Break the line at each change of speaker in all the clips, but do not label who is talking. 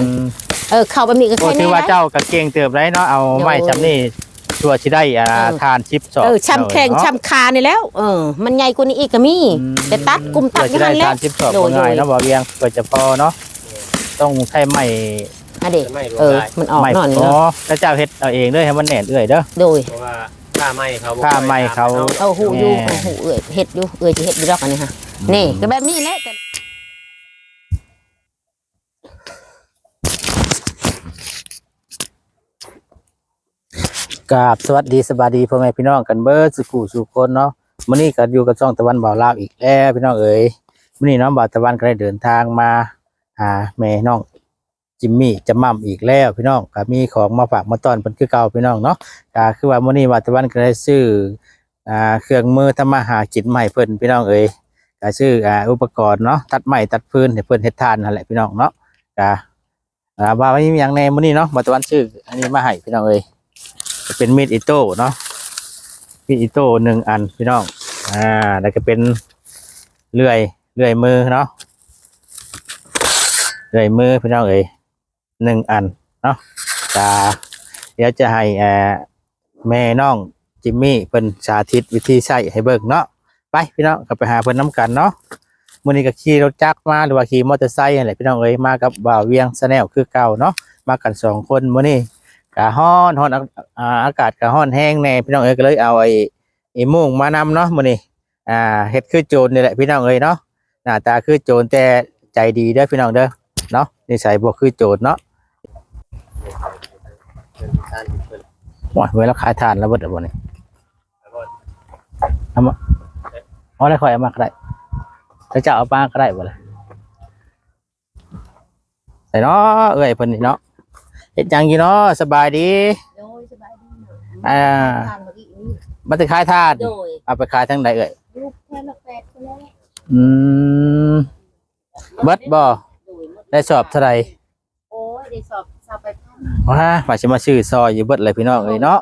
นเข้าแบบนี้ก็แค่นี้ถือว่าเจ้ากระเกงเติบได้เนาะเอาไม้จำนี่ตัวชิได้ทานชิปสอบช้ำแข้งช้ำคานี่แล้วมันใหญ่กว่านี้อีกก็มีแต่ตัดกลุ่มตัดกันแล้วชิปสอบง่ายเนาะบ่เวียงเกิดจะพอเนาะต้องใช้ไม้เด็กมันออกหน่อยเนาะแล้วเจ้าเฮ็ดเอาเองด้วยให้มันแน่นเอื้อยเด้อโดยเพราะว่าค่าไม้เขาเอาหูอยู่หูเอื้อยเฮ็ดอยู่เอื้อยจะเฮ็ดอยู่ดอกอันนี้ค่ะนี่ก็แบบนี้แหละกราบสวัสดีสบายดีพ่อแม่พี่น้องกันเบิดสุขุสุคนเนาะมื้อนี้ก็อยู่กับช่องตะวันบ่าวลาวอีกแล้วพี่น้องเอ๋ยมื้อนี้น้องบ่าวตะวันก็ได้เดินทางมาหาแม่น้องจิมมี่จะมั่มอีกแล้วพี่น้องก็มีของมาฝากมาต้อนเพิ่นคือเก่าพี่น้องเนาะก็คือว่ามื้อนี้บ่าวตะวันก็ได้ซื้อเครื่องมือทำมาหากินใหม่เพิ่นพี่น้องเอ๋ยก็ซื้ออุปกรณ์เนาะตัดไม้ตัดฟืนให้เพิ่นเฮ็ดทานนั่นแหละพี่น้องเนาะก็ว่ามีหยังแน่มื้อนี้เนาะบ่าวตะวันซื้ออันนี้มาให้พี่น้องเอ๋ยเป็นมีดอิโต้เนาะมีดอิโต้1 อันพี่น้องแล้วก็เป็นเลื่อยมือเนาะเลื่อยมือพี่น้องเอ๋ย1 อันเนาะเดี๋ยวจะให้แม่น้องจิมมี่เป็นสาธิตวิธีใช้ให้เบิ่งเนาะไปพี่น้องก็ไปหาเพิ่นน้ำกันเนาะมื้อนี้ก็ขี่รถจักรมาหรือว่าขี่มอเตอร์ไซค์อะไรพี่น้องเอ๋ยมากับบ่าวเวียงชาแนลคือเก่าเนาะมากัน2 คนมื้อนี้กะฮ้อนอากาศกะฮ้อนแห้งแน่พี่น้องเอ๋ยก็เลยเอาไอ้มุ้งมานำเนาะมื้อนี้เฮ็ดคือโจรนี่แหละพี่น้องเอ๋ยเนาะหน้าตาคือโจรแต่ใจดีเด้อพี่น้องเด้อเนาะนิสัยบ่คือโจรเนาะว่าเวลาขายทานแล้วเบิดบ่นี่เอามาเอาได้ค่อยเอามาก็ได้แล้วจะเอาปลาก็ได้บ่ล่ะใส่เนาะเอ้ยเพิ่นนี่เนาะเฮ็ดจังอยู่เนาะสบายดีมันจะขายทานเอาไปขายทางใดเอ่ยเบิดบ่ได้สอบเท่าไหร่โอ้ยได้สอบไปว่าสิมาชื่อซอยอยู่เบิดเลยพี่น้องเอ้ยเนาะ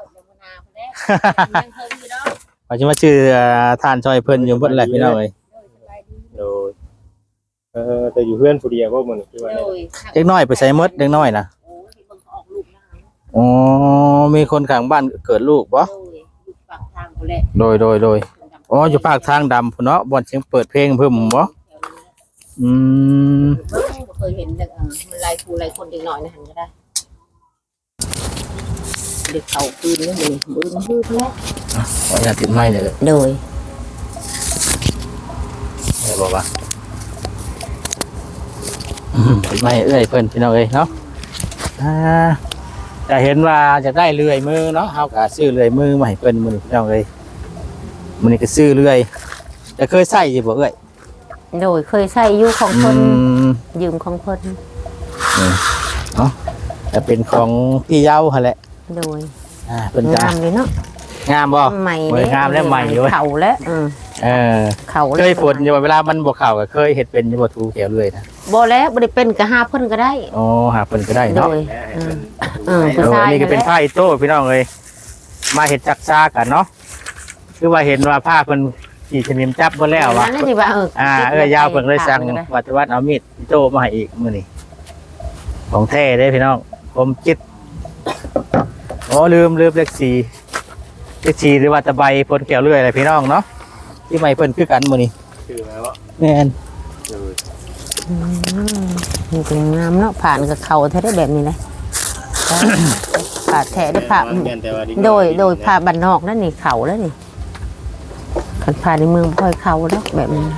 ว่าสิมาชื่อทานซอยเพิ่นอยู่เบิดเลยพี่น้องเอ้ยโดย
แต่อยู่เพื่อนผู้เดียวก็มันคือว่า
เด็กน้อยไปใส่มดเด็กน้อยนะอ๋อมีคนข้างบ้านเกิดลูกบ่โดยอ๋ออยู่ปากทางดำพุ่นเนาะบ่อนเสียงเปิดเพลงเพิ่มบ่เคยเห็นมันลายคูลายคนเด็กน้อยนะหันก็ได้เด็กเขาคืนนี่มันบึ้งแล้วอ๋ออยากติดไม้เลยโดยบอกว่าติดไม้เอ้ยเพิ่นพี่น้องเอ้ยเนาะจะเห็นว่าจะได้เลื่อยมือเนาะเฮาก็ซื้อเลื่อยมือมาให้เพิ่นมื้อนี้พี่น้องเอ้ยมื้อนี้ก็ซื้อเลื่อยแต่เคยใช้อยู่บ่เอ้ยโดยเคยใช้อยู่ของเพิ่นยืมของเพิ่นเนาะแต่เป็นของพี่เย้าหั่นแหละโดยเพิ่นงามเลยเนาะงามบ่ใหม่งามและใหม่อยู่เข่าแล้วเข่าเคยฝนอยู่เวลามันบ่เข่าก็เคยเฮ็ดเป็นอยู่บ่ถูแถวเลยนะบ่แล้วบ่ได้เป็นก็หาเพิ่นก็ได้อ๋อหาเพิ่นก็ได้เนาะนี่ก็เป็นผ้าอิโต้พี่น้องเอ้ยมาเฮ็ดจักซ่ากันเนาะคือว่าเห็นว่าผ้าเพิ่นขี่ชนิมจับเพิ่นแล้วว่ายาวเพิ่นเลยสั่งวัดเอามีดอิโต้มาให้อีกมื้อนี้ของแท้เด้พี่น้องผมจิตอ๋อลืมเลข4หรือว่าตะไบพ่นแก้วเลื่อยอะไรพี่น้องเนาะที่ไม่เพิ่นคือกันมื้อนี้ชื่อแล้วแม่นมันเป็นงามเนาะผ่านกับเขาแท้ได้แบบนี้เลยผ่าแท้ได้ผ่าโดยผ่าบ้านนอกนั่นนี่เขาแล้วนี่ขันผ่าในเมืองพลอยเขาแล้วแบบนี้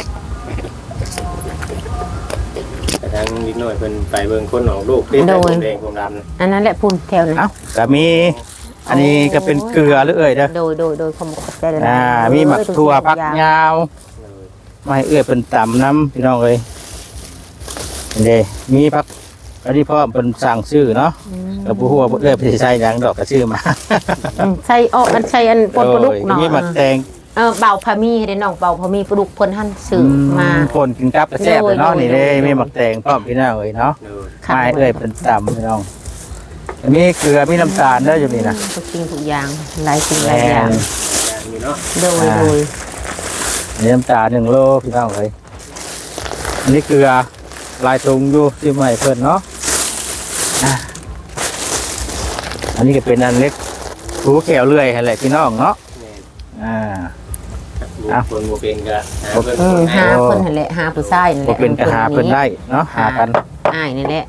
แต่ทางนิดหน่อยเป็นไปเบิ่งคนออกลูกที่เป็นแดงผมดำ
อันนั้นแหละพุ่นแถวนั้น
ก็
มี
อันนี้ก็เป็นเกลือหรือเอ่ยเด้อ
โดยขมกได้เลย
มีหมักถั่วผักยาวไม่เอื้อเป็นต่ำน้ำพี่น้องเลยเด้มีผักอันนี้พ่อเป็นสั่งชื่อเนาะกับผู้หัวเอื้อไปใส่ยางดอกกระชื่อมา
ใส่อันใส่อันปนปลาดุกเนาะ
มีหมักแตง
เบาพามีเด้น้องเบาพามีปลาดุกเพิ่นหั่นซื้อมา
คนกินกับกระแซ่บเนาะนี่เลยมีหมักแตงพร้อมพี่น้องเลยเนาะไม่เอื้อเป็นต่ำพี่น้องมีเกลือมีน้ำตาลได้อยู่นี่นะ
ทุกสิ่งทุกอย่างหลายสิ่งหลายอย่างโดย
น้ำตาล1 โลพี่น้องเลยนี่เกลือลายตุงอยู่ที่ใหม่เพิ่นเนาะอันนี้ก็เป็นอันเล็กหูแขวเลื่อยอะไรพี่น้องเนาะ
คนโมเป็นก็
หาเพิ่นนั่นแหละหาผู้ชายนั่นแห
บ่
ละ
เป็นก็หาเพิ่นได้เนาะหากัน
อ้ายนี่แหละ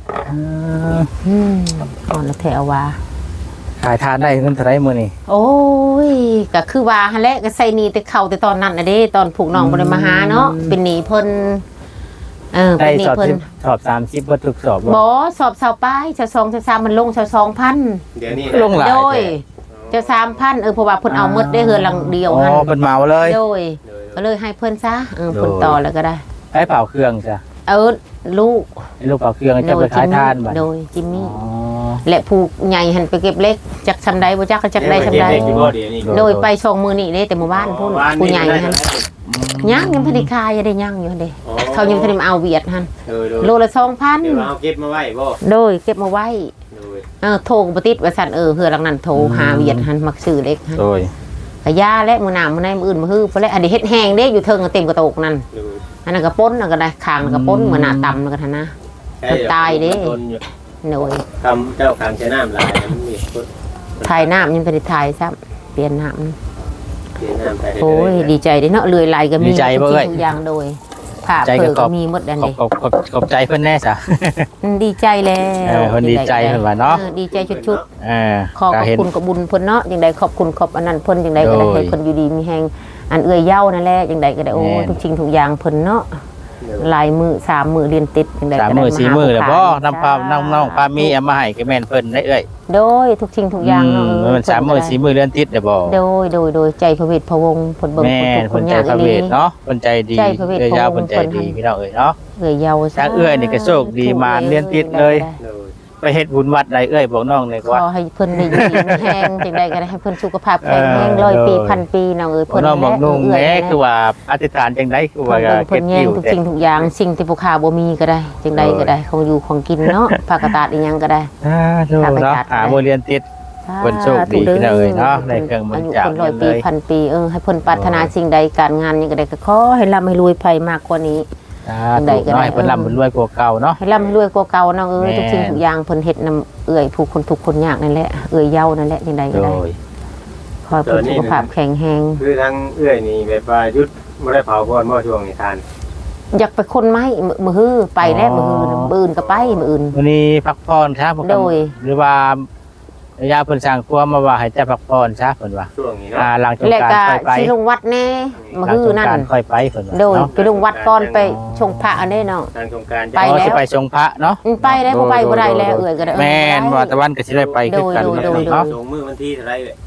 ก่อนละแถวว่า
ขายทานได้เงินเท่าไรมื้อนี้
โอ้ยก็คือว่าหั่นแหละก็ใส่หนี้แต่เข้าแต่ตอนนั้นน่ะเด้ตอนผูกน้องบ่ได้มาหาเนาะเป็นหนี้เพิ่น
ได้
เป็นหนี้เพิ่น
สอบ30บ่ทุกสอบ
บ่สอบ20ป้ายชาว2ชาว3มันลงชาว 2,000
เดี๋ยวนี้
ลงหลาย
โดยเจ้า3,000เพราะว่าเพิ่นเอาหมดได้เฮือนหลังเดียวหั่น
เพิ่นเหมาเลย
โดยก็เลยให้เพิ่นซะเพิ่นต่อแล้วก็ได้
ให้เป่าเครื่องจ้ะ
ลูก
เป่าเครื่องจะไปขายทานบัด
โดยจิมมี่และผูกใหญ่หันไปเก็บเล็กจักซำใดบ่จักก็จักได้ซำใดโดยไปส่งมื้อนี้เด้แต่หมู่บ้านพุ่นผู้ใหญ่หั่นยังบ่ได้ขายได้ยังอยู่เด้เขายังบ่ได้มาเอาเวียดหั่นโลละ 2,000
เดี๋ยวเอาเก็บมาไว้บ่
โดยเก็บมาไว้โทรบ่ติดว่าซั่นเฮือหลังนั้นโทรหาเวียดหั่นมักซื้อเล็กหั่น
โดย
ก็ยาและมื้อหน้ามื้อในมื้ออื่นมื้อฮื้อพุ่นแหละอันนี้เฮ็ดแห้งเด้อยู่เทิงเต็มกระโตกนั่นอันนั้นก็ป่นนั่นก็ได้คางนั่นก็ป่นมื้อหน้าต่ำนั่นก็ท่านนะตายเด้โดย
ทำเจ้าคางใช้น้ำลายมันมี
ถ่ายน้ำยังบ่ได้ถ่ายซ้ำเปลี่ยนน้ำโอ้ยดีใจเด้เนาะเลื่อยไหลก็มีทุกอย่างโดยภาพเพิ่นก็มีหมดอันนี้
ขอบใจเพิ่นแน่ซะ
ดีใจแล้ว
เพิ่นดีใจเพิ่นว่าเนาะ
ดีใจชุดๆขอบคุณกับบุญเพิ่นเนาะจังได๋ขอบคุณขอบอันนั้นเพิ่นจังได๋ก็ได้ให้เพิ่นอยู่ดีมีแฮงอันเอื้อยเย้านั่นแหละจังได๋ก็ได้โอ้ทุกสิ่งทุกอย่างเพิ่นเนาะลายมือ3มื้อเรียนติดจังได๋ก็ได้
3มื้อ4มื้อแล้วบ่น้องปามีเอามาให้ก็แม่นเพิ่นได้เอ้ย
โดยทุกสิ่งทุกอย่างเนาะ
มัน3มื้อ4มื้อเรียนติดได้บ่
โดยใจพระเวทพระวงศ์เพิ่นเบิ่ง
เพิ่นใจพระเวทเนาะเพิ่นใจดีเอ้ยยาวเพิ่นใจดีพี่น้องเอ้ยเนาะ
เอ้ยยาว
ซะเอ้ยนี่ก็โชคดีมาเรียนติดเลยไปเฮ็ดบุญวัดใดเอ้ยบอกน้องเลยว่า
ขอให้เพิ่นได้อยู่ดีมีแฮงจังได๋ก็ได้ให้เพิ่นสุขภาพแข็งแรง100 ปี1,000 ปีน้องเอ้ย
เพิ่นน้องบอกนุ่งแหคือว่าอธิษฐานจังได๋คือว่า
เก็บอยู่ทุกสิ่งทุกอย่างสิ่งที่ผู้ค้าบ่มีก็ได้จังได๋ก็ได้ของอยู่ของกินเนาะภาคตาดอีหยังก็ได้
ถูกเนาะบ่เรียนติดเพิ่นโชคดีพี่น้องเอ้ยเนาะได้เครื่องบริจาค
100 ปี1,000 ปีให้เพิ่นปรารถนาสิ่งใดการงานหยังก็ได้ก็ขอให้ร่ำให้รวยไผมากกว่านี้
ได้ก็ได้เพิ่นร่ำรวยกว่าเก่าเนาะ
ให้ร่ำรวยกว่าเก่าเนาะทุกสิ่งทุกอย่างเพิ่นเฮ็ดนำเอื้อยผู้คนทุกคนยากนั่นแหละเอื้อยเย้านั่นแหละจังไดก็ได้ขอให้เพิ่นสุขภาพแข็งแรง
คือทั้งเอื้อยนี่แบบว่ายุดบ่ได้เผาก่อนบ่ช่วงนี้ทาน
อยากไปคนไม้มื้อฮื้อไปแล้วมื้อฮื้อมื้ออื่นก็ไปมื้ออื่น
วันนี้พักผ่อนครับหรือว่ายาเพิ่นสร้างครัวมาว่าให้แต่พักผ่อนซะเพิ่นว่า
ช่วงนี้เนาะ
หลังจากการค่อยไป
สิลงวัดแน่มื้อฮื้อนั่น
ค่อยไปเพิ่นว่า
โดยไปลงวัดก่อนไปชงพระอันนี้เนาะ
ทางสงกรานต์
ไปแล้วสิไปชงพระเนาะ
ไปแล้วบ่ไปบ่ได้แล้วเอื้อยก็ได้
แม่นว่าตะวันก็สิได้ไปคือกัน
เนาะส่งมื้อวันที่เท่าไหร่เอ้ย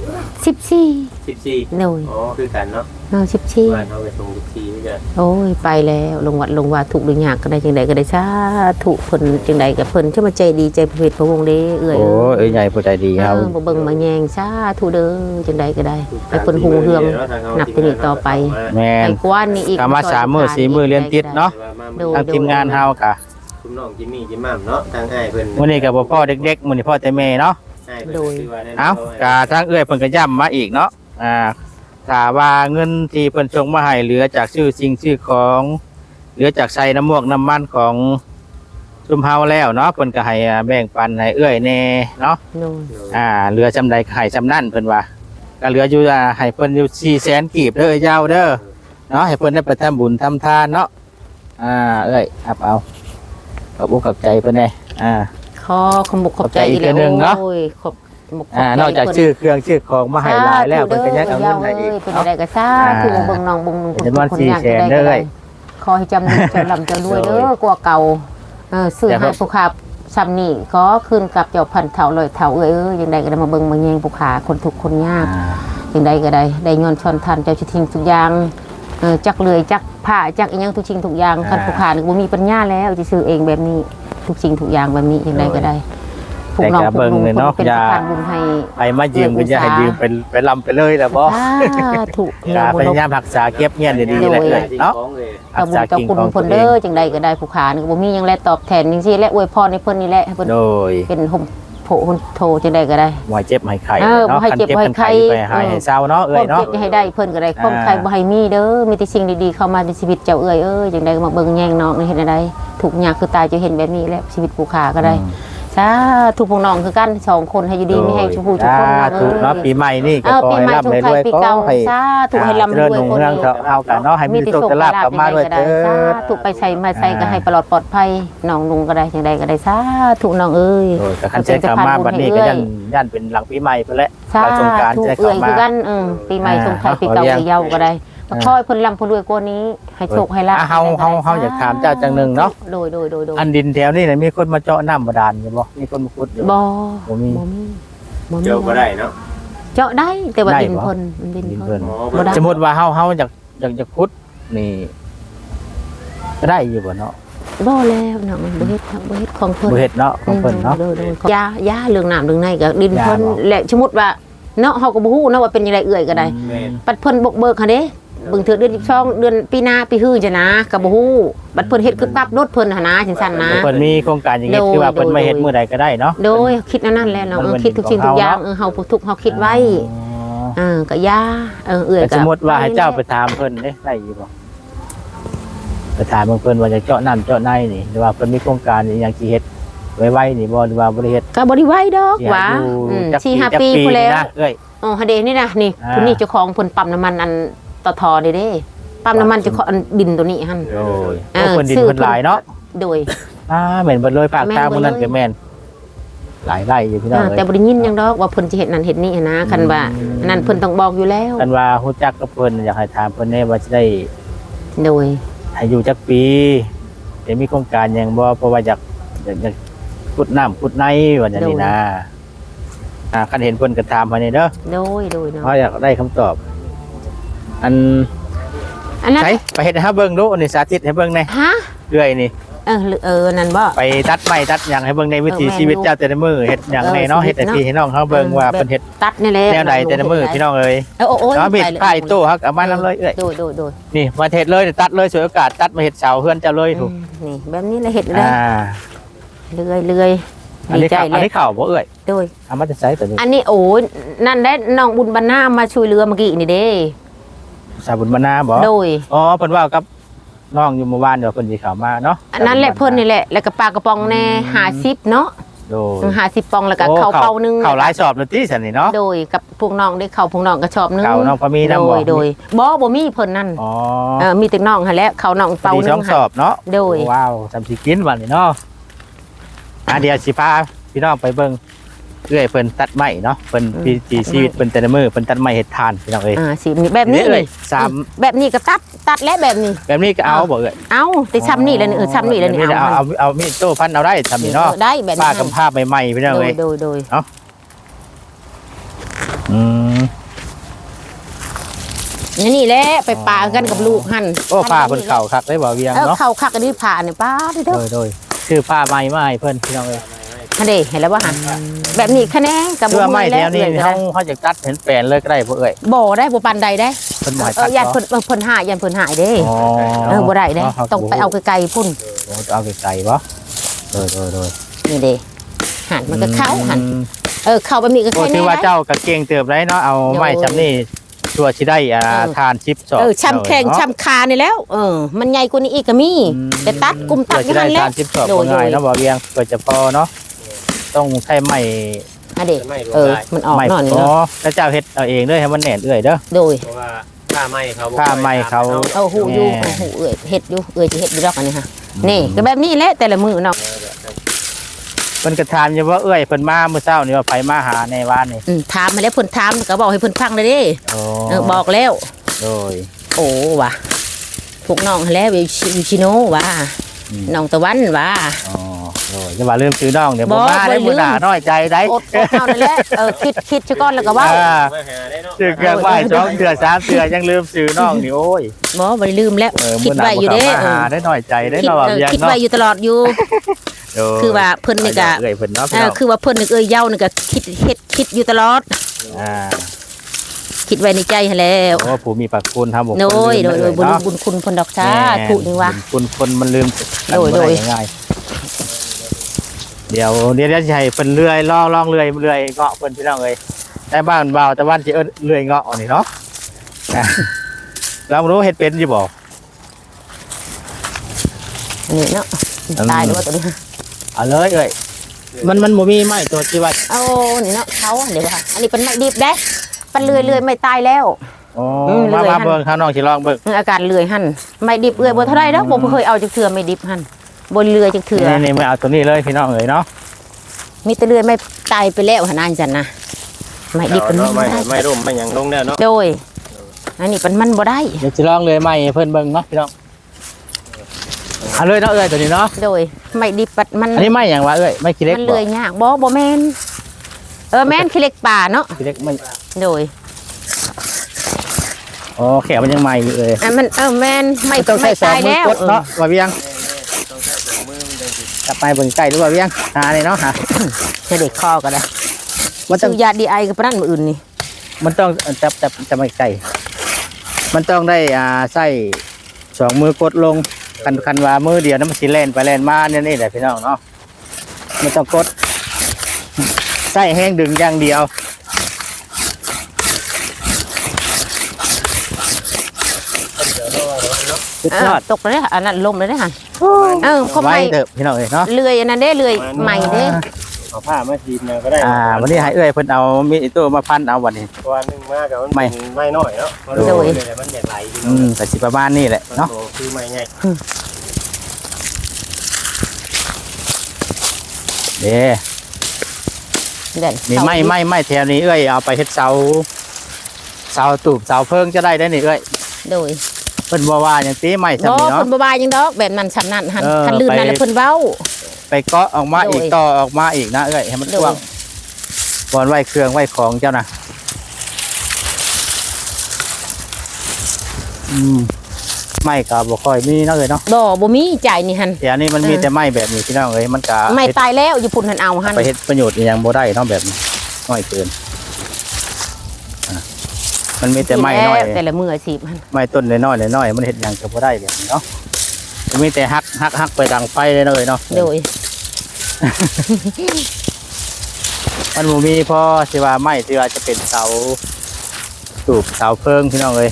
14โ
อ้ย
คือกันเนาะ
14
บ้านเฮาไปส่ง14นี่ก็
โอ้ยไปแล้วลงวัดลงวาทุกอย่างก็ได้จังได๋ก็ได้สาธุเพิ่นจังได๋ก็เพิ่นจะมาใจดีใจพระเวทพระวงศ์เด้เอื้อย
โอ้ยใหญ่ผู้ใจดีเฮา
บ่เบิ่งมาแยงสาธุเด้อจังได๋ก็ได้ให้เพิ่นฮู้เรื่องนับแต่นี้ต่อไป
แม่น
กว่านี้อีก
มา3มื้อ4มื้อเรียนติดเนาะทางทีมงานเฮาก็
คุณน้องจิมมี่จิมม่ำเนาะทางอ้ายเพิ่น
มื้อนี้ก็บ่พ่อเด็กๆมื้อนี้พ่อแต่แม่เนาะ
โดย
เอ้ากะทางเอื้อยเพิ่นก็ย้ำมาอีกเนาะถ้าว่าเงินที่เพิ่นส่งมาให้เหลือจากซื้อสิ่งซื้อของเหลือจากใส่น้ำมวกน้ำมันของซุมเฮาแล้วเนาะเพิ่นก็ให้แบ่งปันให้เอื้อยแน่เนาะเหลือจำใดให้จำนั่นเพิ่นว่าก็เหลืออยู่ให้เพิ่นอยู่400,000กีบเด้อยาวเด้อเนาะให้เพิ่นได้ไปทำบุญทำทานเนาะเอ้ยเอาขอบอกขอบใจเพิ่นแน่
ขอขอบขอบใจอีก
นึงเนาะนอกจากชื่อเครื่องชื่อของมาให้หลายแล้วเพิ่นก็ยังเอาเงินให้อีก
เพิ่นได้ก็ซาคือเบิ่งน้องเบิ่ง
คนยากได้เลย
ขอให้จำนึงจำลำจะรวยเด้อกว่าเก่าซื้อให้ผู้ค้าซ้ำนี่ก็คืนกับเจ้าพันเฒ่าลอยเฒ่าเอ้ยจังได๋ก็ได้มาเบิ่งมาแยงผู้ค้าคนทุกคนยากจังได๋ก็ได้ย้อนชอนทันเจ้าสิทิ้งทุกอย่างจักเลยจักผ้าจักอีหยังทุกสิ่งทุกอย่างคันผู้ค้านี่บ่มีปัญญาแล้วสิซื้อเองแบบนี้ทุกสิ่งทุกอย่างแบบนี้จังได๋ก็ได้
ผูกน้องผูกลุงเนาะอย่าไปมายืมก็อย่าให้ยืมไปลำไปเลยแล้วบ่
ถูก
พยายามรักษาเก็บเงินดีๆเลยเนาะ
รักษากิ่งของเพิ่นเด้อจังใดก็ได้ผู้ค้านี่บ่มีหยังแลตอบแทนจังซี่และอวยพรให้เพิ่นนี่แหละให้เพิ่นเป็นห่มโผโทจังใดก็ได้
บ่ให้เจ็บให้ไข้
เนาะคันเจ็บให้ไข้
ให้เศร้าเนาะเอ้ยเนาะ
เจ็บให้ได้เพิ่นก็ได้ความไข้บ่ให้มีเด้อมีแต่สิ่งดีๆเข้ามาในชีวิตเจ้าเอ้ยจังใดก็มาเบิ่งแย่งน้องนี่เฮ็ดได้ทุกอย่างคือตายจะเห็นแบบนี้แหละชีวิตผู้ค้าก็ได้
สาธุพวกน้องคือกัน2คนให้อยู่ดีมีให้ชุมพูทุกคน
ถูกเนาะปีใหม่นี่ก็ขอ
ปี
ให้
ใหม่
ร่ำ
ชง
ให้
ไท
ร
ย
วย
ปี
ก็
เก่า
ให้
สาธุให้ร่ำร
เรื่
ว
อง
ย
หนุ่ง
คน
เรื่องเอากันเนาะให้มีโชคลาภกลับมาด้วยเด้อ
สาธุไปใส่มาใส่ก็ให้ปลอดปลอดภัยน้องนุงก็ได้จังใดก็ได้สาธุน้องเอ้ย
โอ้ยก็คันใช้คำมาบัดนี้ก็ยันเป็นหลังปีใหม่ไปแล้ว
สา
สงกรานต์
ธุ
จะ
เอ้
เข้าย มา
คือกันปีใหม่ชงไทยปีเก่าปีเยาก็ได้ขอให้เพิ่นร่ำเพิ่นรวยกว่านี้ให้โชคให้ลาภ
เฮาอยากถามเจ้าจังหนึงเนาะ
โดย
อันดินแถวนี้น่ะมีคนมาเจาะน้ำบาดาลอยู่บ่มีคนมาขุดอยู่
บ่
บ่มี
เจอบ่ได้เนาะ
เจาะได้แต่ว่า
ได้
ดิน
บ่
เพิ่นมันดิน
ดิน
เพิ่
เพิ่
น
น
บ่ได้
สมมุติว่าเฮาอยากจะขุดนี่ก็ได้อยู่บ่เนาะ
บ่แล้วเนาะมันบ่เฮ็ดครับบ่เฮ็ดของเพิ่น
บ่เฮ็ดเนาะของเพิ่นเนาะ
โดยยาเรื่องน้ำเรื่องในก็ดินเพิ่น
ยาบ่
และสมมุติว่าเนาะเฮาก็บ่ฮู้เนาะว่าเป็นจังไดเอื้อยก็ได้
แม่น
บัดเพิ่นบกเบิกหั่นเด้เบิ่งเทื่อเดือน12เดือนปีหน้าปีฮื้อจะนะก็บ่ฮู้บัดเพิ่นเฮ็ดคือปั๊บรถเพิ่นหั่นนะจังซั่นนะ
เพิ่นมีโครงการอย่างงี้คือว่าเพิ่นมาเฮ็ดมื้อใดก็ได้เนาะ
โดยคิดอันนั้นแหละเนาะ
มัน
คิดทุกสิ่งทุกอย่าง
ของเฮาเนาะ
เฮาทุกเฮาคิดไว้
อ๋อ
ก็ยาเอื้อย
แต่
ก็
สมมุติว่าให้เจ้าไปถามเพิ่นเด้ได้อยู่บ่ไปถามเพิ่นว่าจะเจาะนั่นเจาะในนี่หรือว่าเพิ่นมีโครงการอหยังสิเฮ็ดไว้นี่บ่หรือว่าบ่ได้เฮ็ด
ก็บ่ได้ไว้ดอก
สิ
หว่า
ให้อยู่จัก
4-5 ปี
จัก
พู้นแล้ว
นะเอ้ย
อ๋อฮะเดนี่นะนี่
อ่า
คุณนี่เจ้าของเพิ่นปั๊มน้ำมันอันต่อทอเด้เด้ปั๊มน้ำมันเจ้าของอันดินตัวนี้หั่น
โอ้ย
เออ
เพิ่นดิน
ซื้อ
เพิ่นหลายเนาะ
โดย
แม่นเบิดเลยภาค
แม่น
ตาม
เบิด
มื้อนั้น
เลย
ก็แม่นหลายไร่อยู่พี่น้องเอ้ย
แต่บ่ได้ยินหยังดอกว่าเพิ่นจะเฮ็ดนั่นเฮ็ดนี่หั้นนะคันว่าอันนั้นเพิ่นต้องบอกอยู่แล้ว
กันว่าฮู้จักกับเพิ่นอยากให้ถามเพิ่นแน่ว่าสิได้
โดย
ให้อยู่จักปีจะมีโครงการหยังบ่เพราะว่าอยากขุดน้ำขุดในว่าอย่างนี้นะคันเห็นเพิ่นก็ถามมานี่เด้อ
โดยเนาะ
เพราะอยากได้คำตอบ อัน
อันนั้น
ใช้ไปเฮ็ดให้เฮาเบิ่งดูอันนี้สาธิตให้เบิ่งแหน่
ฮะ
เรื่อยนี่
นั่นบ่
ไปตัดไม้ตัดหยังให้เบิ่งในวิถี
แม่น
ชีวิตเจ้าแต่ละมื้อเฮ็ดหยังแน่เนาะ
ชี
เฮ็
วิ
ด
ต
ให้พี่ให้น้องเฮาเบิ่งว่าเพิ่นเฮ็ด
ตัดนี่แหละ
แนวใดแต่ละมื้อพี่น้องเอ้ย
โอ้ย
เนาะมีดป้ายโต้ฮักเอามานํเลยเอ้ย
โดย
นี่มาเฮ็ดเลยตัดเลยสวยโอกาสตัดมาเฮ็ดเสาเฮือนเจ้าเลยถูก
นี่แบบนี้แหละเฮ็ดเลย
อ่า
เรื่อย
อัน
ดี
นี้
ใจ
ข้าว
เล
อัน
ย
นี้ข้าวบ่เอ้ย
โดย
เอามาจะใช้ตัวนี้
อันนี้โอ้ยนั่นได้น้องบุญบรรณามาช่วยเรือเมื่อกี้นี่เด้
สาบุญมานาบ่
โดย
อ๋อเพิ่นว่ากับน้องอยู่เมื่อวานเดี๋ยวเพิ่นสิเข้ามาเนาะ
อันนั้นแหละเพิ่นนี่แหละแล้วก็ปลากระป๋องแน่50เนาะ
โดย
50ปองแล้วก็ข้าวเปานึง
เข้าหลายสอบเลยติซั่นนี่เนาะ
โดยกับพวกน้องได้เข้าพวกน้องก็ชอบนึง
เข้าน้องพอมีนำบ่
โดยบ่มีเพิ่นนั่น
อ๋อ
มีแต่น้องหั่นแหละเขาน้องเปา
ดี
นึ
สอง งสอบเนาะ
โดย
ว้าวจำสิกินวันนี้เนาะเดี๋ยวสิพาพี่น้องไปเบิ่งเรื่อยเพิ่นตัดไม้เนาะเพิ่นปีชีวิตเพิ่นแต่ละมื้อเพิ่นตัดไม้เฮ็ดทานพี่น้องเอ้ย
สิแบบนี้
เล
นี่
ยสาม
แบบนี้ก็ตัดและแบบนี้
แบบนี้ก็เอาบ่เอ้ย
เอาแต่ช้ำนี่แล้วนี่ช้ำนี่แล้วนี่
แบบเอามีดโต้พันเอาได้ทำนี่เนาะ
ได้แบบนี้
ป้ากำภาพใหม่ๆพี่น้องเอ้ย
โดย
อืม
นี่แหละไปปากันกับลูกหั่น
โอ้ผ้าเพิ่นเข่าคักได้บ่เวียงเนาะ
เข้าคักอันนี้ผ่านี่ป้าเด้อ
โดยชื่อผ้าใหม่มาให้เพิ่นพี่น้องเอ้ย
หั่นเด้เห็นแล้วบ่หั่นแบบนี้คะแนนกับ
เสื้อไม้แถวนี้
เฮา
เฮาจะตัดเห็นแปลนเลยก็ได้บ่เอ้ย
บ่ได้บ่ปานใดได้
เพิ่นบ่ให้ตัด
ยันเพิ่นหายยันเพิ่นหายเด้
อ๋อ
บ่ได้เด้ต้องไปเอาไกลๆพุ่น
เอาไกลๆบ่โดย
นี่เด้หั่นมันก็เข้าหั่นเข้าแบบนี้ก็
โอ้
แค่
ถื
นี้
อว่าเจ้าก็เก่งเติบได้เนาะเอาไม้จำนี่ชัวร์สิได้ทานชิปสอบ
ช้ำแข้งช้ำคานี่แล้วมันใหญ่กว่านี้อีกก็มีแต่ตัดกุมตัด
เพื่อ
อยู่
จะได้
หั่นแหละ
ทานชิปสอบง่ายเนาะบ่เวียงเพื่อจะพอเนาะต้องใช้ไม้
อันเด้มันออก
ไม้
หน่อยนึ
พ
ง
อแล้วเจ้าเฮ็ดเอาเองเด้อให้มันแน่นเอื้อยเด้อ
โดย
เพราะว่าค่าไม้เขาบ่
ค่าไม้เขา
เอาหูอยู่หูเอ้ยเฮ็ดอยู่เอ้ยสิเฮ็ดอยู่ดอกอันนี้ฮะนี่ก็แบบนี้แหละแต่ละมื้อเนาะ
เพิ่นก็ถามอยู่ว่าเอื้อยเพิ่นมาเมื่อเช้านี่ว่าไปมาหาในบ้านนี่
ถามมาแล้วเพิ่นถามก็บอกให้เพิ่นฟังเลยเด้
โอ้
บอกแล้ว
โดย
โอ้ว่ะพวกน้องแล้วอยู่ชิโนว่ะน้องตะวันว่ะ
อ๋อโดยจะว่าลืมซื้อน้องเดี๋ยวบ่
บ่
มาได้
บ่ลื
บ่
ม
ด่าน้อยใจได้
อดเอานั่นแหละคิดซะก่อนแล้วก็เว้า
มาหาได้เนาะ
ซื้อเครื่องไหว้2เทื่อ3เทื่อยังลืมซื้อน้องนี่โอ้ย
บ่ได้ลืมแล้วคิดไว้อยู่เด้
มาหาได้น้อยใจได้เนาะว่าเวียง
คิด
เนาะ
ไว้อยู่ตลอดอยู่
โดย
คือว่าเพิ่นนี่ก็
เอื้อยเพิ่นเนาะพี่น้อง
คือว่าเพิ่นนี่เย้านี่ก็คิดอยู่ตลอด
อ่า
คิดไว้ในใจหั่นแล้ว
โอ้ผู้มีพระคุณทำบุญ
โดยบุญ
เนาะ
บุญคุณเพิ่นดอกจ้าถูกนี่ว่า
บุญคุณคนมันลืม
โดย
กันบ่ไง่ายๆเดี๋ยวจะให้เพิ่นเลื่อยลองเลื่อยเงาะเพิ่นพี่น้องเอ้ยแต่บ้านเบาแต่วันสิเลื่อยเงาะนี่เนาะอ่ะเรารู้เฮ็ดเป็นอยู่บ่
นี่เนาะตายด้วยตัวนี้
เอาเลยเอ้ยมันบ่มีไม้ตัวที่ว่า
เอานี่เนาะเขาเดี๋ยวว่าอันนี้เป็นไม้ดิบเด้ปันเลื่อยไม่ตายแล้ว
อ๋อมาเบิ่งข้างนอกสิลองเบิ่ง
อาการเลื่อยหั่นไม่ดิบเอื้อยบ่เท่าไรแล้วบ่เคยเอาจักเทื่อไม่ดิบหั่นบ่เลื่อยจักเทื่อ
นี่มาเอาตัวนี้เลยพี่น้องเอ๋ยเนาะ
มีแต่เลื่อยไม่ตายไปแล้วหั่นอันจันนะไม่ดิบเป็น
เนาะ
บ่
ไม่
ได้
ไม่ร่มไม่หยังลงแล้วเนาะ
โดยอันนี้เป็นมันบ่ได้
เดี๋ยวสิลองเลยไม้ให้เพิ่นเบิ่งเนาะพี่น้องเอาเลยเนาะเอ้ยตัวนี้เนาะ
โดยไม่ดิบปัดมัน
อันนี้ไม้หยังวะเอ้ยไม้ขี้เล็ก
มัน
บ่
เลื่อยยากบ่แม่นแม่นขี้เหล็กป่าเนาะ
ขี้เล็กไม่
โดย
อ๋อแขวมันยังใหม่อยู่เอ้ย
มันแม่นไม่
ต้องใช้
ไม่
สอง
ตาย
มือ
แล้ว
กดเนาะว่าเวียงกลับไปเบิ่งใกล้หรือว่าเวียงหาเลยเนาะหา
จะเด็กคอก็ได้
มันต้
ซื้
อง
อยาดีไอกับปนั่นมืออื่นนี่
มันต้องจะไม่ไกลมันต้องได้ใส่สองมือกดลงคันว่ามือเดียวนั้นมันสิแล่นไปแล่นมาเนี่ยนี่แหละพี่น้องเนาะไม่ต้องกดใส่แห้งดึงอย่างเดียวสุดยอด
ตกเลยอันนั้นลมเลยนะฮะเขา
ไว้
ไม่
เถอะพี่น้องเอ้ยเนาะ
เลื่อยอันนั้นได้เลื่อยใหม่เด้
เอาผ้ามาทีมมาก็ได้
วันนี้ให้เอ้ยเพิ่นเอามีดตัวมาพันเอาวันนี้
ตัวนึงมากับมัน
ไม่
ไม่น้อยเนาะมันอยากไหล
แต่สิประมาณนี้แหละเนาะ
คือไม่ไง
เด้
เด่น
มีไม่แถวนี้เอ้ยเอาไปเฮ็ดเสาตูบเสาเพิ่งจะได้นี่เอ้ย
โดย
เพิ่นบ่ว่าหยังติไม่
บ่
ซำนี่
ค
เนาะ
นบายยังดอกแบบนั้นสำนั่นหัน
เออ
คันลื่นนั่น
ไป
แล้วเพิ่นเว้า
ไปเกาะออกมาอีก
โดย
ต่อออกมาอีกนะเอ้ยให้มัน
โดย
กว้างบอนไว้เครื่องไว้ของเจ้านะไม่ก็บ่ค่อยมีเนาะเอ้ยเนาะ
บ่มีจ่ายนี่หัน
แต่อันนี้มันมีแต่ไม้แบบนี้พี่น้องเอ้ยมันก็
ไม่ตายแล้วอยู่พุ่นหันเอาหัน
ไปเฮ็ดประโยชน์อีหยังบ่ได้เนาะแบบนี้น้อยเกินมันมีแต่ไม้น้อย
แต่ละมืออาชีพหัน
ไม้ต้นน้อยๆมันเฮ็ดหยังก็บ่ได้แบบนี้เนาะมันมีแต่ฮักไปดังไฟเลยเนาะเอ้ยเนาะ
โดย
มันบ่มีพอสิว่าไม้ที่ว่าจะเป็นเสาตูบเสาเพิงพี่น้องเอ้ย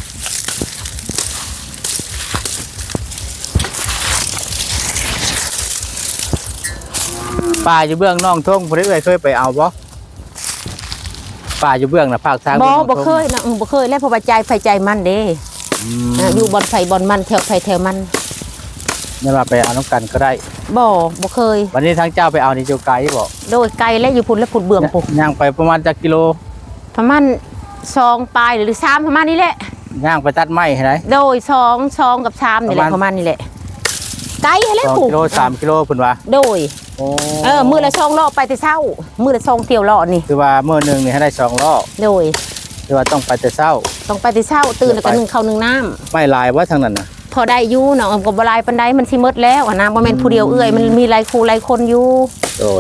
ป่าอยู่เบื้องน้องทงบ่ได้เอ้ยเคยไปเอาบ่ป่าอยู่เบื้องน่ะภาคทาง
บ่เคยนะบ่เคยแล้วเพราะว่าใจไฟใจมันเด้อยู่บอนไฟบอนมันแถวไฟแถวมัน
ไม่ว่าไปเอาน้ำกันก็ได้
บ่เคย
วันนี้ทางเจ้าไปเอานี่เจ้าไกลบ่
โดยไกลและอยู่พุ่นและพุ่นเบื่อมพุ่น
ย่างไปประมาณจักกิโล
ประมาณ2ปลายหรือ3ประมาณนี้แหละ
ย่างไปตัดไม้ให้ได้
โดย2กับ3นี่แหละประมาณนี้แหละไกลแล้ว
2
พุ่น
กิโล3กิโลเพิ่นว่า
โดย
โอ้
มื้อละ2รอบไปแต่เช้ามื้อละ2เที่ยวรอบนี่
คือว่ามื้อหนึงนี่ให้ได้2รอบ
โดย
คือว่าต้องไปแต่เช้า
ต้องไปแต่เช้าตื่นแล้วก็นึ่งข้าวนึ่งน้ำ
ไม่ลายว่าทางนั้นน่ะ
พอได้อยู่เนาะก็บ่หลายปานใดมันสิหมดแล้วอะนะบ่แม่นผู้เดียวเอื้อยมันมีหลายคู่หลายคนอยู่
โดย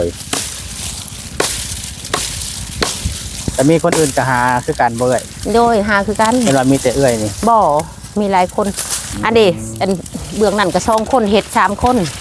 แต่มีคนอื่นก็หาคือกันบ่เอ้ย
โดยหาคือกัน
เห็นว่ามีแต่เอ้ยนี่
บ่มีหลายคนอันเดอันเบื้องนั้นก็2คนเฮ็ด3คน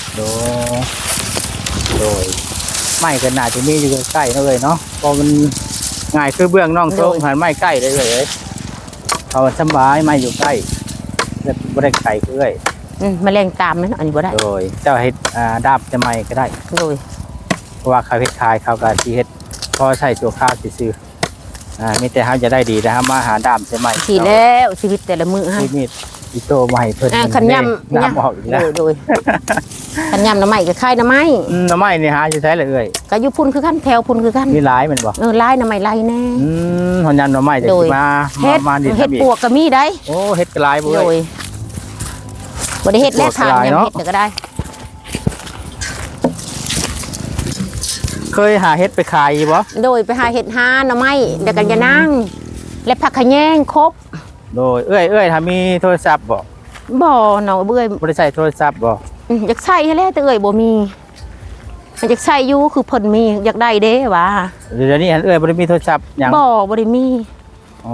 โดยไม่ก็น่าจะมีอยู่ใกล้ๆเนาะเอ้ยเนาะเพราะมันง่ายคือเบื้องน้องโต๊ะหันไม้ใกล้ได้เลยเอ้ยเขาสบายไม้อยู่ใกล้แล้วบ่ได้ไกลคือเอ้ย
แมลงตามนั่นอันนี้บ่ได้
โดยเจ้าเฮ็ดดาบจะไม้ก็ได้
โดย
เพราะว่าเขาเฮ็ดขายเขาก็สิเฮ็ดพอใช้ตัวข้าวซื่อมีแต่เฮาจะได้ดีนะครับมาหาดามจะไม้
สิแล้วชีวิตแต่ละมื้อฮะ
ที่มีดอีโตมาให้เพิ่น
คันย่ำ
น้ำออกอีกแล้ว
โดยคันย่ำหน่อไม้ก็คายหน่อไม้
หน่อไม้นี่หาอยู่ไสเลยเอ้ย
ก็อยู่พุ่นคือกันแถวพุ่นคือกัน
มีหลายแม่นบ่
ลายหน่อไม้ลายแน่
หอนยันหน่อไม้จะ
โด
สิ
ย
มา
เฮ็ด
ดิ
เฮ็ด
ทำอีก
ปวกก็มีได้
โอ้เฮ็ดกระลายบ่
โด
เอ้
ย
ย
บ่ได้เฮ็ดแล้ว
ปวก
ทาน
หลาย
ยัง
เนาะ
เฮ็ดก็ได้
เคยหาเฮ็ดไปขายอยู่บ่
โดยไปหาเห็ดหาหน่อไม้เดี๋ยวกันจะนั่งและผักขะแยงครบ
โดยเอ้ยถ้ามีโทรศัพท์บ่
บ่หนอเบื่อย
บ่ได้ใช้โทรศัพท์บ่
อยากใส่ให้แล้วแต่เอ่ยบ่มีอยากใส่อยู่คือเพิ่นมีอยากได้เด้ว่า
เดี๋ยวนี้เอ้ยบ่ได้มีโทรศัพท์หยัง
บ่ได้มี
อ๋อ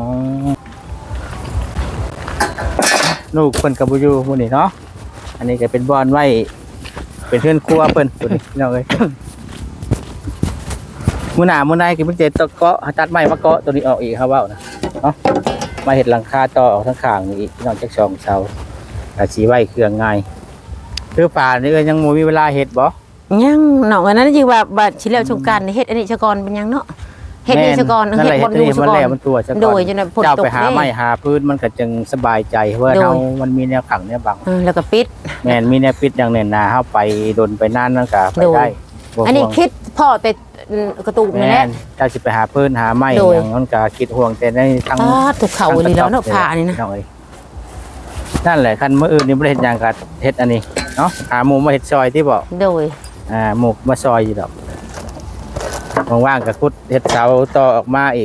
ลูกเพิ่นก็บ่อยู่มื้อนี้เนาะอันนี้ก็เป็นบ่อนไว้เป็นเฮือนครัวเพิ่นตัวนี้พี่น้องเอ้ย มื้อหน้ามื้อในก็เพิ่นจะตะเกาะตัดไม้มาเกาะตัวนี้ออกอีกครับเว้านะเนาะมาเฮ็ดหลังคาต่อออกทั้งข้างนี่อีกพี่น้องจัก2เสาก็สิไว้เครื่องง่ายคือป่านี่ก็ยังบ่มีเวลาเฮ็ดบ่
ยังน้องอันนั้นอยู่ว่าบัดสิแล้วสงกรานต์นี่เฮ็ดอันนี้ซะก่อนเป็นหยังเนาะเฮ็ดนี่ซะก่อน
นั่น
เฮ็ด
แหละ
บ่อยู่ซะ
มัน
ก่อ
แล้ว
น
มันตัวซะก่อน
โดยจนฝน
เจ้า
ตก
ไปหา
เด้
ไม้หาพื้นมันก็จึงสบายใจเพราะว่า
โดย
เฮามันมีแนวขังแนวบัง
แล้วก็ปิด
แม่นมีแนวปิดอย่างแน่นหนาเฮาไปดนไปนานนั่นก็ไป
โดย
ได้บ่
อันนี้
ห่วง
คิดพ่อแต่กระตูกนี่แห
แม่
ละ
นเจ้าสิไปหาพื้นหาไม้
โดย
อย่างนั้นก็คิดห่วงแต่ในทาง
ถูกเขาอีหลีแล้วเนาะผ้านี่นะ
น้องเอ้ยนั่นแหละคันมื้ออื่นนี่บ่ได้เฮ็ดหยังก็เฮ็ดอันนี้เนาะหาหมู่มาเฮ็ดซอยที่บอก
โดย
หมู่มาซอยอยู่ดอกว่างๆก็ขุดเฮ็ดเสาต่อออกมาอีก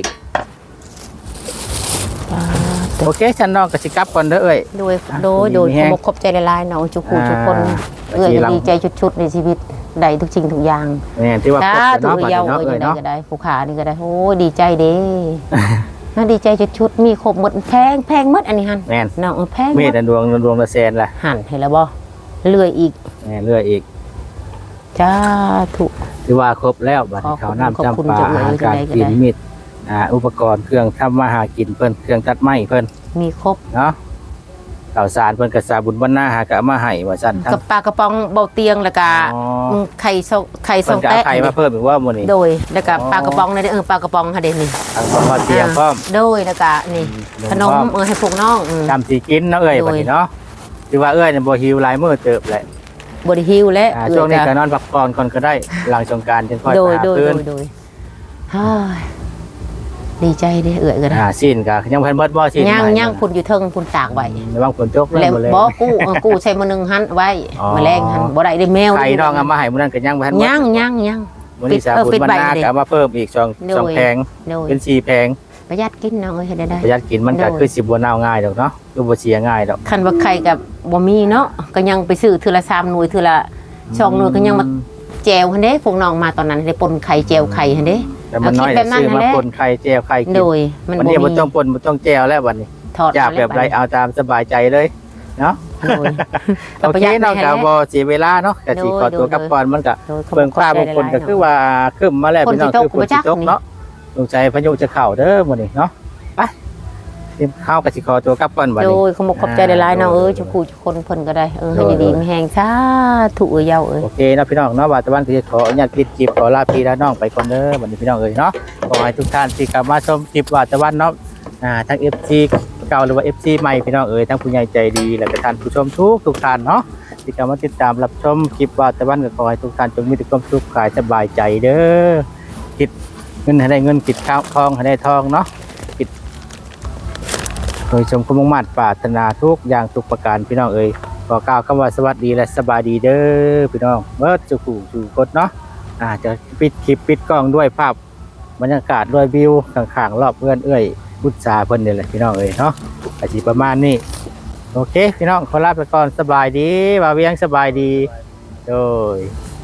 โอเคฉันน้องก็สิกลับก่อนเด้อเอ้ย
โดยขอบใจหลายๆน้องทุกคนทุกคน
อ่า
ดีใจชุดๆในชีวิตได้ทุกสิ่งทุกอย่าง
แม่นที่ว่า
สา
ครบ
ธุ
เนาะบัด
เยา
นี้เนาะ
เอ้
เอ้ ยเนาะ
ยได้ก็ได้ผู้ขานี่ก็ได้โอ้ดีใจเด้น่าดีใจชุดๆมีครบหมดแพงหมดอันนี้หั่น
แม่น
น้องแพงห
เม
ม
ต
ด
ดวงละแสนล่ะ
หั่นเห็นแล้วบ่เลื่อยอีก
แม่เรื่อยอีก
จ้าถูก
ที่ว่าครบแล้วบัดนี้
ขอบคุณ
ข้าวน้ำ
ขอบคุณ
จำปา
จังเลย
อาหารการ
จังใดก็
กิน
ได้
มีดอุปกรณ์เครื่องทำมาหากินเพิ่นเครื่องตัดไม้เพิ่น
มีครบ
เนาะข่าวสารเพิ่นก็สาบุญวันหน้าหากะเอามาให้ว่าซั่นทั้ง
กับปลากระป๋องเบาเตียงแล้วก็
อ๋อ
ไข่ส
เพิ่
อน ง
ก็เอา
แตะ
ไข่มาเพิ่มอีกว่ามื้อนี้
โดยแล้วก็
อ๋อ
ปลากระป๋องนี่ปลากระป๋องค่ะเด่นนี่
ทางพ่อเตรียมพร้อม
โดยแล้วก็นี่ ขนมให้พวกน้อง
จำสิกินเนาะเอ้ย
โดย
บัดนี้เนาะที่ว่าเอ้ยเนี่ยบ่หิวหลายมื้อเติบแหละ
บริฮิวและ
ช่วงนี้ก็นอนพักผ่อนก่อนก็ได้หลังสงกรานต์จึงค่อย
โด
ไป
ย
หา
โดย
เพิ่น
โดยเฮ้ยดีใจเด้ก็ได้
สิ้นก็ยังเพิ่นเบิดบ่สิ้น
ย่างพุ่นอยู่เทิงพุ่นตากไว้
ระวังฝนตก
แล้ว
บ่เลย
บ่กู้ใช้มื้อนึงหันไว้
อ๋อ
มื้อแรงหันบ่ได้ได้แมว
ไข่น้องเอามาให้มื้อนั้นก็ยังบ่ทันหมด
ย่าง
มื้อนี้สาบุญ
ปิด
วัน
ใบ
หน้า
เด้
ก็เอามาเพิ่มอีกสอง
โดย
สองแผง
โดย
เป็น4แผง
ประหยัดกินน้องเอ้ยเฮ็ดได้
ประหยัดกินมันก็
โดย
คือสิบ่เน่าง่ายดอกเนาะคือบ่เสียง่ายดอก
คันว่าไข่กับบ่มีเนาะก็ยังไปซื้อเทื่อละ3หน่วยเทื่อละ2หน่วยก็ยังมาแจวหั่นเด้พวกน้องมาตอนนั้นได้ปนไข่แจวไข่หั่นเด้
แต่มันน้อย
เอาคิดแบบนั้น
ซื้อมา
นั่นแหละ
ปนไข่แจวไข่กิน
โดยมัน
วัน
บ่
นี้บ่
มี
ต้องปนบ่ต้องแจวแล้ววันนี้
ถอด
อยากแบบไรเอาตามสบายใจเลยเนาะ
โดย
โอเคเนาะก็บ่เสียเวลาเนาะก็สิขอตัวกลับก่อนมันก็
โดย
เบิ่งฟ้าบางคนก็คือว่าครึ้มมาแล้วพี่น้องคือฝนสิตกเนาะสงสัยพายุจะเข้าเด้อมื้อนี้เนาะไปเตรียมข้าวก็สิขอตัวกลับก่อนบัด
โด
นี้
ยขอบใจหลายๆน้องเอ้ยจุกทุกคนเพิ่นก็ได้ให้ดีๆมีแฮงสาธุเอ้ยเยาเอ้ย
โอเคเนาะพี่น้องเนาะว่าตะวันคือขออนุญาตปิดคลิปขอลาพี่และน้องไปก่อนเด้อบัดนี้พี่น้องเอ้ยเนาะขอให้ทุกท่านที่เข้ามาชมคลิปว่าตะวันเนาะทั้ง FC เก่าหรือว่า FC ใหม่พี่น้องเอ๋ยทั้งผู้ใหญ่ใจดีและก็ท่านผู้ชมทุกท่านเนาะที่เข้ามาติดตามรับชมคลิปว่าตะวันก็ขอให้ทุกท่านจงมีแต่ความสุขกายสบายใจเด้อคิดเงินให้ได้เงินคิดข้าวทองให้ได้ทองเนาะคิดโดยชมความมุ่งมั่นปรารถนาทุกอย่างทุกประการพี่น้องเอ๋ยขอกล่าวคำว่าสวัสดีและสบายดีเด้อพี่น้องเบิดจุกูจุกดเนาะจะปิดคลิปปิดกล้องด้วยภาพบรรยากาศด้วยวิวข้างๆรอบเพื่อนเอ้ยพุทธาเพิ่นนี่แหละพี่น้องเอ้ยเนาะอาชีพประมาณนี้โอเคพี่น้องขอลาไปก่อนสบายดีบ่าวเวียงสบายดีโดย